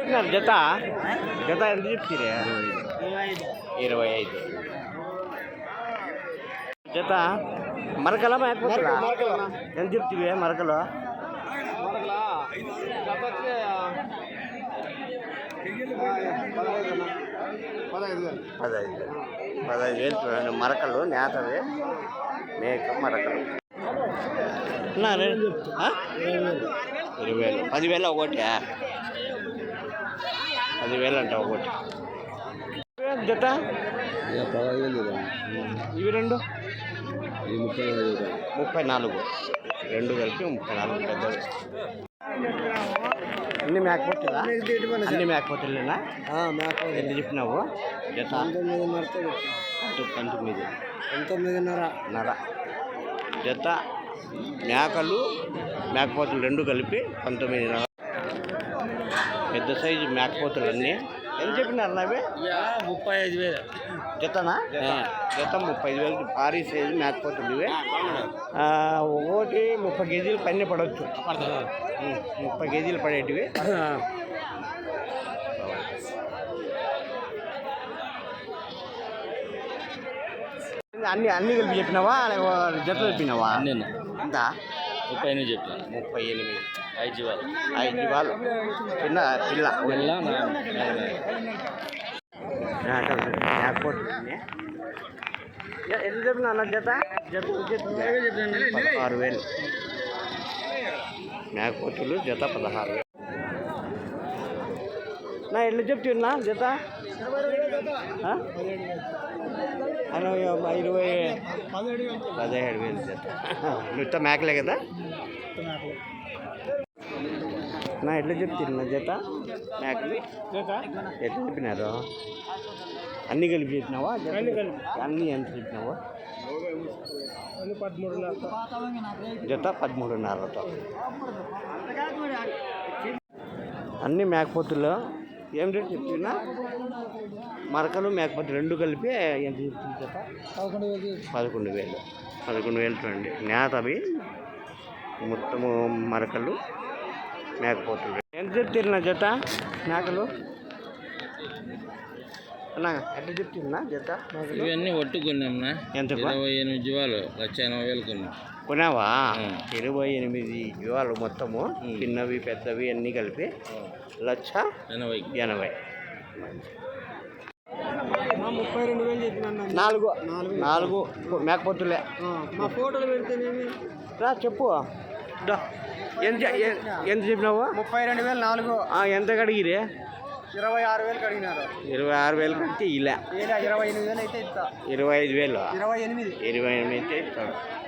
జత జత ఎంత చెప్ತೀರಿ 25 జత మరకల మేకపోతులా ఎంత చెప్ತೀವಿ మరకలు 15,000 చూడండి మరకలు నేతవి మేక మరకలు 20,000 10,000 ఒకటి 10,000 అంట ఒకటి జత 15,000 ఇవి రెండు 34 రెండు కలిపి 34 పెద్దవి అన్ని మేకపోతులా అన్ని మేకపోతులేనా ఎంత చెప్పినావు జత 19.5 జత మేకలు మేకపోతులు రెండు కలిపి 19.5 పెద్ద సైజు మేకపోతులు అన్నీ ఎంత చెప్పినారు అవి 35,000 జతనా జత 35,000 భారీ సైజు మేకపోతులు ఇవి ఒకటి 30 కేజీలు పైన పడవచ్చు 30 కేజీలు పడేటివి అన్ని కలిపి చెప్పినావా జత చెప్పినావా ఎంత 38 చెప్పిన 38 5 జీవాలు చిన్న పిల్ల ఎంత చెప్పినా అన్న జత 16,000 మేకపోతులు జత 16,000 నా ఎట్లా చెప్తున్నా జత 17,000 జత నువ్వు మేకలే కదా నా ఎట్లా చెప్తున్నా జత మేకలు ఎట్లా చెప్పినారు అన్నీ కలిపి చెప్పినావా అన్నీ ఎంత చెప్పినావా జత 13,500 అన్నీ మేకపోతులు ఏం రేట్ చెప్తున్నా మరకలు మేకపోతులు రెండు కలిపి ఎంత చెప్తుంది జత 11,000 చూడండి నేతవి మొత్తము మరకలు మేకపోతులు ఎంత చెప్తున్నా జత మేకలు అన్నా ఎట్లా చెప్తున్నా జత ఇవన్నీ ఒట్టు కొన్నామన్నా ఎంత 28 జీవాలు 1,80,000 కొన్నా కొన్నావా 28 జీవాలు మొత్తము చిన్నవి పెద్దవి అన్నీ కలిపి 1,80,000 32,000 చెప్పినా 4 మేకపోతులే మా ఫోటోలు పెడితేనేమి రా చెప్పు ఎంత చెప్పినావు 32,000 ఎంత కడిగిరి 26,000 కడిగినారు 26,000 కంటే ఇలా 28,000 అయితే ఇస్తా 25,000 28 28 అయితే ఇస్తాడు